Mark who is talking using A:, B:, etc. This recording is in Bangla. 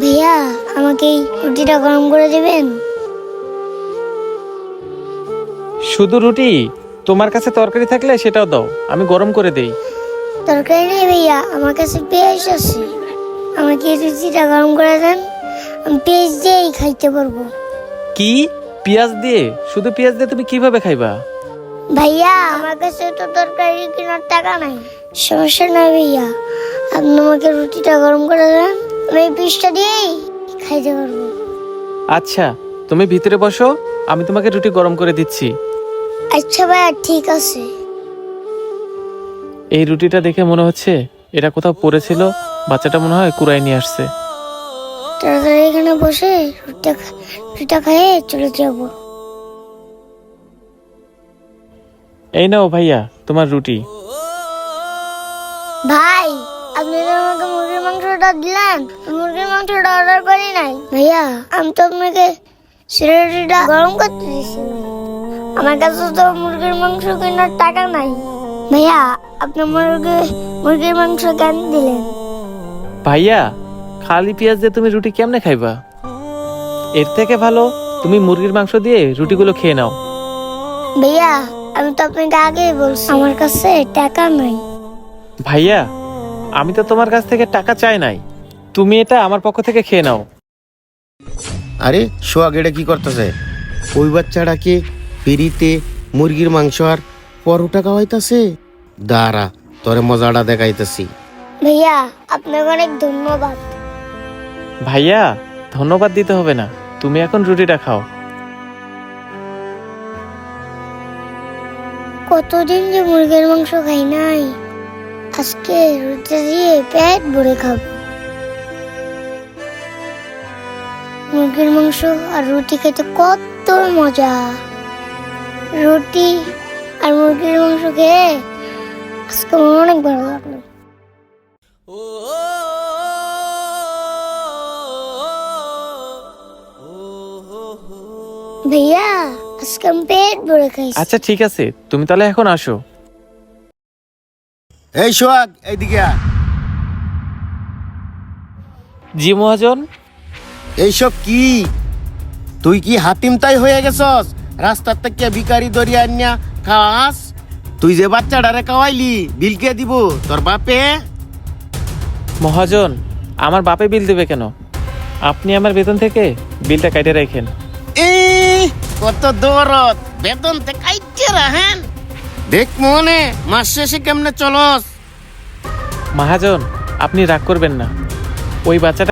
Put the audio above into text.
A: ভাইয়া আমাকে এই রুটিটা গরম করে দেবেন।
B: শুধু রুটি? তোমার কাছে তরকারি থাকলে সেটাও দাও, আমি গরম করে দেই।
A: তরকারি নেই ভাইয়া, আমার কাছে পেঁয়াজ আছে। আমাকে এই রুটিটা গরম করে দেন, আমি পেঁয়াজ দিয়েই খাইতে পারবো।
B: কি? পেঁয়াজ দিয়ে? শুধু পেঁয়াজ দিয়ে তুমি কিভাবে খাইবা?
A: ভাইয়া আমার কাছে তো তরকারি কেনার টাকা নাই। সমস্যা নাই ভাইয়া, আপনি আমাকে রুটিটা গরম করে দেন, আমি এই পিসটা দিয়েই খাইতে পারবো।
B: আচ্ছা, তুমি ভিতরে বসো, আমি তোমাকে রুটি গরম করে দিচ্ছি।
A: আচ্ছা ভাইয়া ঠিক আছে।
B: এই রুটিটা দেখে মনে হচ্ছে এটা কোথাও পড়েছিল, বাচ্চাটা মনে হয় কুড়াই নিয়ে আসছে।
A: তাড়াতাড়ি এখানে বসে রুটিটা খেয়ে চলে যাব।
B: এই নাও ভাইয়া তোমার রুটি।
A: ভাই আপনি তো আমাকে মুরগির মাংসটা দিলেন, মুরগির মাংসটা অর্ডার করি নাই। ভাইয়া আমি তো আপনাকে রুটিটা গরম করতে দিয়েছিলাম, আমার কাছে তো মুরগির মাংস কেনার টাকা নাই। ভাইয়া আপনি মুরগির মাংস কেন দিলেন?
B: ভাইয়া খালি পেঁয়াজ দিয়ে তুমি রুটি কেমনে খাইবা? এর থেকে ভালো তুমি মুরগির মাংস দিয়ে রুটিগুলো খেয়ে নাও।
A: ভাইয়া আমি তো আপনাকে আগেই বলছি আমার কাছে টাকা নাই।
B: ভাইয়া আমি তো তোমার কাছ থেকে টাকা চাই নাই, তুমি এটা আমার পক্ষ থেকে খেয়ে নাও।
C: আরে সোহাগ এটা কি করতেছে? ওই বাচ্চাটা কি ফিরিতে মুরগির মাংস আর পরোটা খাওয়াইতাছে? দাঁড়া তোরে মজাটা দেখাইতেছি।
A: ভাইয়া আপনাকে অনেক ধন্যবাদ।
B: ভাইয়া ধন্যবাদ দিতে হবে না, তুমি এখন রুটিটা খাও।
A: কতদিন যে মুরগির মাংস খাই নাই, আজকে রুটি দিয়ে পেট ভরে খাবো। মুরগির মাংস আর রুটি খেতে কত মজা। রুটি আর মুরগির মাংস খেয়ে আজকে আমার অনেক ভালো লাগলো। ভাইয়া আজকে আমি পেট ভরে খাইছি।
B: আচ্ছা ঠিক আছে, তুমি তাহলে এখন আসো।
C: এই সোহাগ এইদিকে আয়।
B: জি মহাজন।
C: এইসব কি? তুই কি হাতিম তাই হয়ে গেছস? রাস্তার থেকে ভিখারি দরিয়া আনিয়া খাওয়াস? তুই যে বাচ্চাটারে খাওয়াইলি বিল কে দিব? তোর বাপে?
B: মহাজন আমার বাপে বিল দেবে কেন? আপনি আমার বেতন থেকে বিলটা কাটে রাখেন।
C: কত দৌড়ত, বেতন তে কাইতে রাখেন। দেখ মনে মাস শেষে কেমনে চলস।
B: মহাজন আপনি রাগ করবেন না, ওই বাচ্চাটা